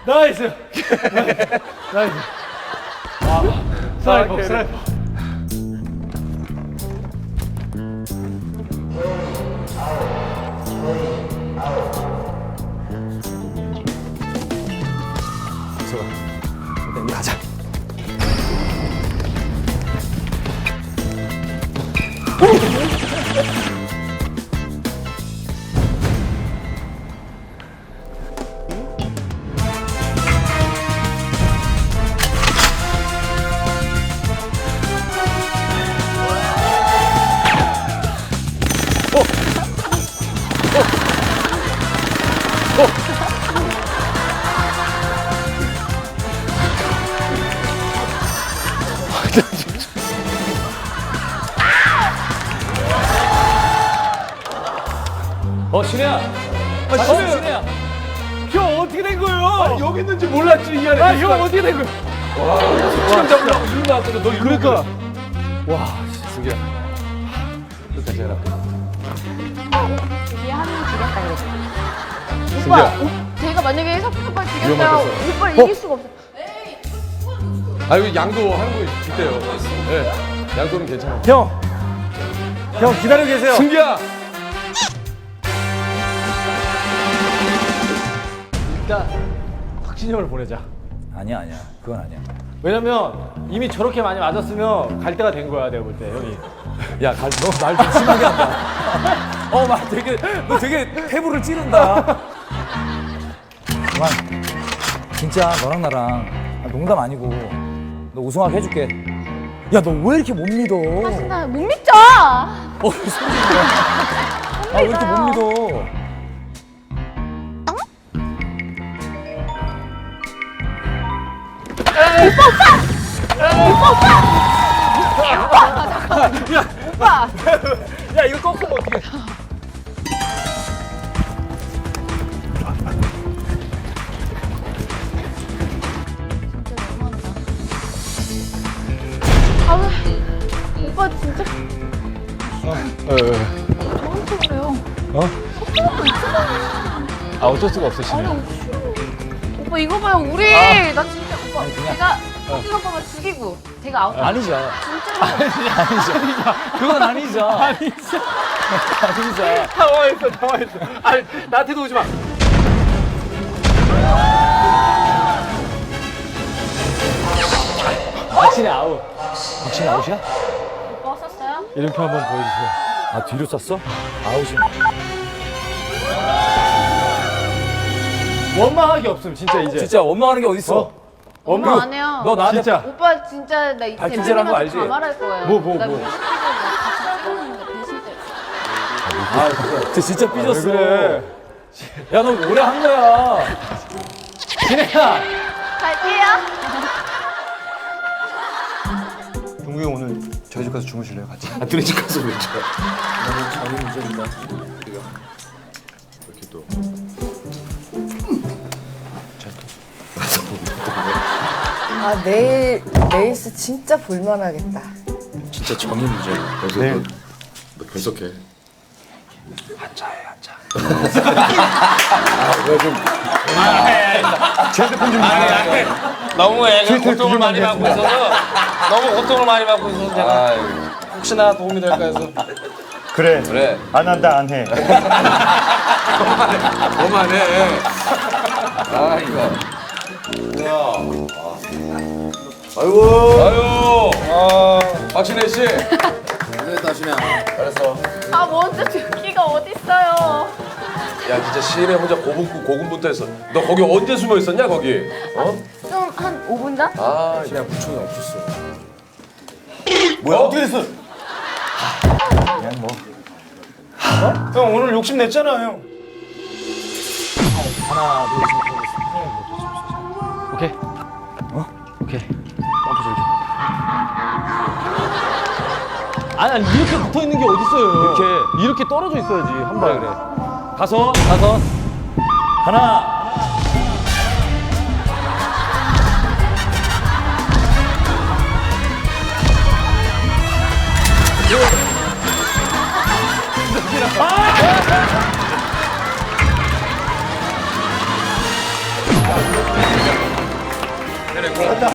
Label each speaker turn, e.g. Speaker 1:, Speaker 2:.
Speaker 1: 나이스. 나이스. 아, 스나이퍼, 스나이퍼.
Speaker 2: 일단 가자.
Speaker 1: 신혜야. 신혜야. 형 어떻게 된 거예요?
Speaker 3: 아니, 여기 있는지 몰랐지 이 안에.
Speaker 1: 아, 형 어떻게 된 거예요?
Speaker 3: 수영 잡으려고 일로 나왔거든. 너
Speaker 1: 그러니까.
Speaker 3: 와, 승기야. 끝까지 해라.
Speaker 4: 이게 한명 죽였다 그랬어.
Speaker 3: 승기야.
Speaker 4: 오빠, 제가 만약에 석훈 오빠 죽였어요.
Speaker 3: 위험하겠어.
Speaker 4: 오빠를 이길 수가 없어.
Speaker 3: 아, 여기 양도 하는 거 있대요. 네. 양도는 괜찮아.
Speaker 1: 형 기다리고 계세요.
Speaker 3: 승기야.
Speaker 1: 일단 확신형을 보내자.
Speaker 2: 아니야. 그건 아니야.
Speaker 1: 왜냐면 이미 저렇게 많이 맞았으면 갈 때가 된 거야, 내가 볼 때, 형이.
Speaker 2: 야, 너 말 좀 심하게 한다. 말 되게, 너 되게 태부를 찌른다. 그만. 진짜 너랑 나랑 농담 아니고 너 우승하게 해줄게. 야, 너 왜 이렇게 못 믿어?
Speaker 4: 나 못 믿죠.
Speaker 2: 소리야. 왜 이렇게 못 믿어?
Speaker 4: 오빠.
Speaker 1: 야, 이거 꺾으면 어떡해.
Speaker 4: 오빠 진짜 저한테 그래요.
Speaker 1: 아, 어쩔 수가 없어, 신혜.
Speaker 4: 오빠 이거 봐요. 우리 나 진짜 오빠 제가 석훈 오빠가 죽이고 제가 아웃.
Speaker 2: 아니죠.
Speaker 4: 진짜
Speaker 2: 그건 아니죠.
Speaker 1: 아니죠.
Speaker 2: 아니죠.
Speaker 1: 당황했어. 아니, 나한테도 오지 마. 확신이 아웃.
Speaker 2: 확실히 아웃이야?
Speaker 4: 오빠 썼어요?
Speaker 1: 이름표 한번 보여주세요.
Speaker 2: 아, 뒤로 쐈어? 아웃이네.
Speaker 1: 원망하기 없음, 진짜 이제.
Speaker 2: 진짜 원망하는 게 어딨어?
Speaker 4: 엄마 안 해요.
Speaker 2: 너 나한테
Speaker 1: 진짜.
Speaker 4: 오빠 진짜 나 이제
Speaker 2: 발kin제라는 거 알지?
Speaker 4: 다 말할 거예요.
Speaker 1: 뭐.
Speaker 4: 나 무식해서 같이 찍었는데 배신 때.
Speaker 2: 쟤 진짜 삐졌어.
Speaker 1: 왜 그래?
Speaker 2: 야, 너 오래 한 거야.
Speaker 1: 신혜야.
Speaker 4: 갈게요.
Speaker 5: 동국이 형 오늘 저희 집 가서 주무실래요 같이?
Speaker 3: 아, 둘이 집 가서 왜 쳐?
Speaker 5: 나는 자기 문제입니다.
Speaker 3: 이렇게 또.
Speaker 6: 아 내일 레이스 진짜 볼만하겠다.
Speaker 3: 진짜 정의 문제야. 그래서
Speaker 5: 네.
Speaker 3: 너 분석해.
Speaker 7: 너무 애가 고통을 많이 받고 있어서 너무 고통을 많이 받고 있어서 제가 혹시나 도움이 될까 해서
Speaker 5: 그래. 안 한다 안 해.
Speaker 3: 그만해. 아, 이거. 아유. 박신혜 씨. 잘했어.
Speaker 4: 아 먼저 죽기가 어딨어요.
Speaker 3: 야, 진짜 시인에 혼자 고군분투 했어. 너 거기 언제 숨어 있었냐, 거기? 어?
Speaker 4: 좀 한 5분 전?
Speaker 3: 아, 그냥 부총이 없었어.
Speaker 5: 뭐야 어떻게 됐어?
Speaker 1: 형 오늘 욕심 냈잖아, 형.
Speaker 2: 하나, 둘, 셋.
Speaker 1: 오케이. 오케이. 펌프 좀 줘. 아니, 이렇게 붙어 있는 게 어딨어요. 이렇게 떨어져 있어야지, 한 발에. 그래.
Speaker 2: 다섯. 하나.
Speaker 3: 그래, 그럼.